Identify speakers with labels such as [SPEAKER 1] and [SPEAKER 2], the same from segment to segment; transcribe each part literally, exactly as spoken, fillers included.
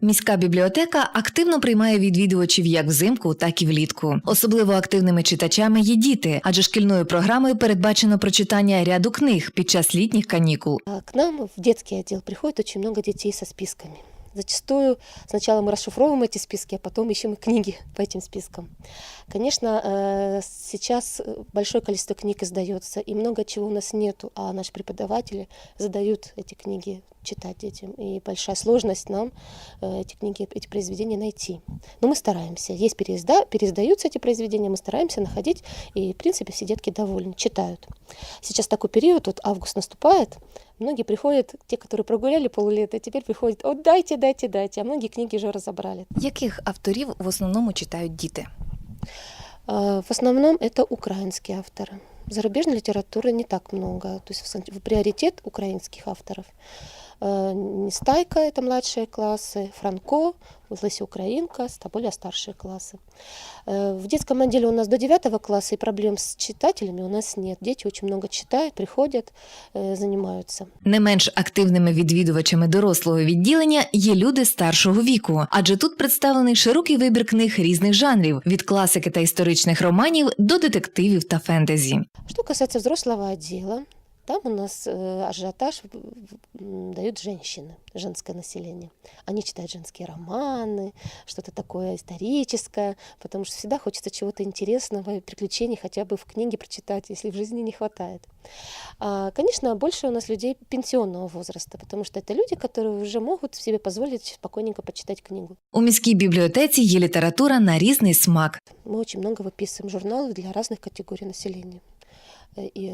[SPEAKER 1] Міська бібліотека активно приймає відвідувачів як взимку, так і влітку. Особливо активними читачами є діти, адже шкільною програмою передбачено прочитання ряду книг під час літніх канікул.
[SPEAKER 2] К нам в детский отдел приходит очень много детей со списками. Зачастую сначала мы расшифровываем эти списки, а потом ищем и книги по этим спискам. Конечно, сейчас большое количество книг издается, и много чего у нас нету, а наши преподаватели задают эти книги читать детям. И большая сложность нам эти книги, эти произведения найти. Но мы стараемся. Есть переизда, переиздаются эти произведения, мы стараемся находить, и, в принципе, все детки довольны, читают. Сейчас такой период, вот август наступает, многие приходят, те, которые прогуляли полулета, теперь приходят, о, дайте, дайте, дайте, а многие книги уже разобрали.
[SPEAKER 1] Яких авторів в основному читають діти?
[SPEAKER 2] В основном это украинские авторы. Зарубежной литературы не так много, то есть в приоритет украинских авторов. Нестайка – это младшие классы, Франко, Леся Украинка – это более старшие классы. В детском отделе у нас до девятого класса, и проблем с читателями у нас нет. Дети очень много читают, приходят, занимаются.
[SPEAKER 1] Не менш активними відвідувачами дорослого відділення є люди старшого віку, адже тут представлений широкий вибір книг різних жанрів – від класики та історичних романів до детективів та фентезі.
[SPEAKER 2] Что касается взрослого отдела, там у нас ажиотаж дают женщины, женское население. Они читают женские романы, что-то такое историческое, потому что всегда хочется чего-то интересного, приключений хотя бы в книге прочитать, если в жизни не хватает. А, конечно, больше у нас людей пенсионного возраста, потому что это люди, которые уже могут себе позволить спокойненько почитать книгу.
[SPEAKER 1] У міській бібліотеці є література на різний смак.
[SPEAKER 2] Мы очень много выписываем журналов для разных категорий населения. И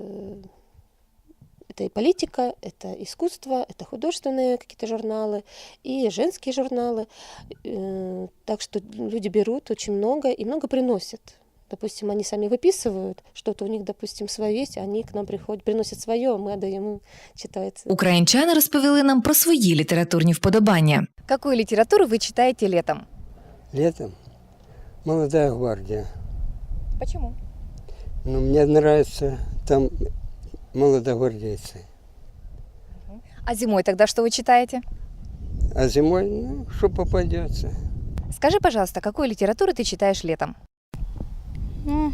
[SPEAKER 2] это и политика, это искусство, это художественные какие-то журналы, и женские журналы. Так что люди берут очень много и много приносят. Допустим, они сами выписывают, что-то у них, допустим, свое есть, они к нам приходят, приносят свое, а мы отдаем им, читается.
[SPEAKER 1] Українчани розповіли нам про свої літературні вподобання.
[SPEAKER 3] Какую литературу вы читаете летом?
[SPEAKER 4] Летом «Молодая гвардия».
[SPEAKER 3] Почему?
[SPEAKER 4] Ну, мне нравится там молодогвардейцы.
[SPEAKER 3] А зимой тогда что вы читаете?
[SPEAKER 4] А зимой, ну, что попадется.
[SPEAKER 3] Скажи, пожалуйста, какую литературу ты читаешь летом?
[SPEAKER 5] Ну,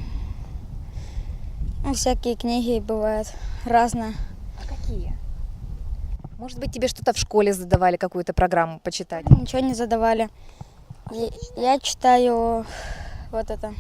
[SPEAKER 5] всякие книги бывают разные.
[SPEAKER 3] А какие? Может быть, тебе что-то в школе задавали, какую-то программу почитать?
[SPEAKER 5] Ничего не задавали. Я, я читаю вот это,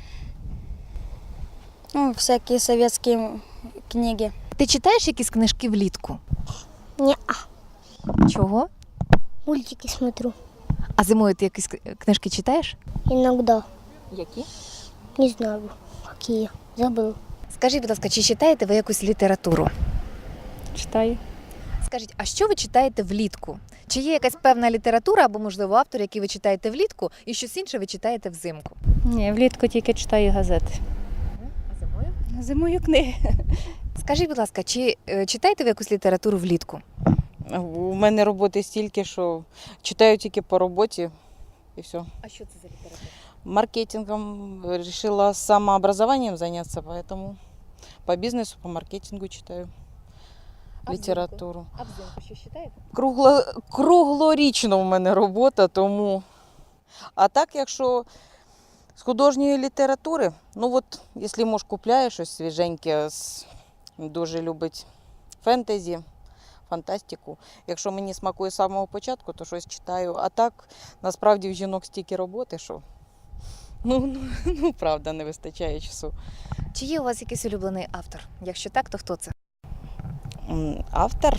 [SPEAKER 5] ну, всякие советские книги.
[SPEAKER 3] Ти читаєш якісь книжки влітку?
[SPEAKER 6] Не-а.
[SPEAKER 3] Чого?
[SPEAKER 6] Мультики смотрю.
[SPEAKER 3] А зимою ти якісь книжки читаєш?
[SPEAKER 6] Иногда.
[SPEAKER 3] Які?
[SPEAKER 6] Не знаю, какие. Забыл.
[SPEAKER 3] Скажіть, будь ласка, чи читаєте ви якусь літературу?
[SPEAKER 7] Читаю.
[SPEAKER 3] Скажіть, а що ви читаєте влітку? Чи є якась певна література або, можливо, автор, який ви читаєте влітку, і щось інше ви читаєте взимку?
[SPEAKER 7] Ні, влітку тільки читаю газети.
[SPEAKER 3] А зимою?
[SPEAKER 7] Зимою книги.
[SPEAKER 3] Скажіть, будь ласка, чи е, читаєте ви якусь літературу влітку?
[SPEAKER 8] У мене роботи стільки, що читаю тільки по роботі і все.
[SPEAKER 3] А що це за література?
[SPEAKER 8] Маркетингом решила самообразованием заняться, поэтому по бизнесу, по маркетингу читаю
[SPEAKER 3] А
[SPEAKER 8] літературу.
[SPEAKER 3] взимку? А взимку що читаєте?
[SPEAKER 8] Кругло, круглорічно в мене робота, тому. А так, якщо з художньої літератури, ну от, якщо муж купляє щось свіженьке, дуже любить фентезі, фантастику. Якщо мені смакує з самого початку, то щось читаю. А так, насправді, в жінок стільки роботи, що, ну, ну, ну правда, не вистачає часу.
[SPEAKER 3] Чи є у вас якийсь улюблений автор? Якщо так, то хто це?
[SPEAKER 8] М, Автор?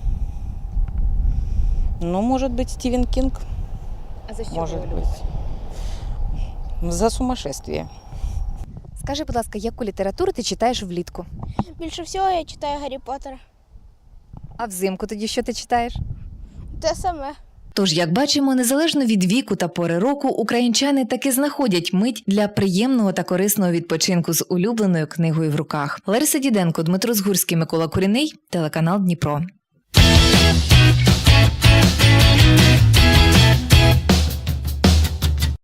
[SPEAKER 8] Ну, може бути, Стівен Кінг.
[SPEAKER 3] А за що
[SPEAKER 8] Може
[SPEAKER 3] ви
[SPEAKER 8] бути.
[SPEAKER 3] любите?
[SPEAKER 8] За сумасшествие.
[SPEAKER 3] Скажи, будь ласка, яку літературу ти читаєш влітку?
[SPEAKER 6] Больше всего я читаю Гарри Поттера.
[SPEAKER 3] А взимку тоді що ти читаєш?
[SPEAKER 6] Те саме.
[SPEAKER 1] Тож, як бачимо, незалежно від віку та пори року, українчани таки знаходять мить для приємного та корисного відпочинку з улюбленою книгою в руках. Лариса Діденко, Дмитро Згурський, Микола Куріний, телеканал Дніпро.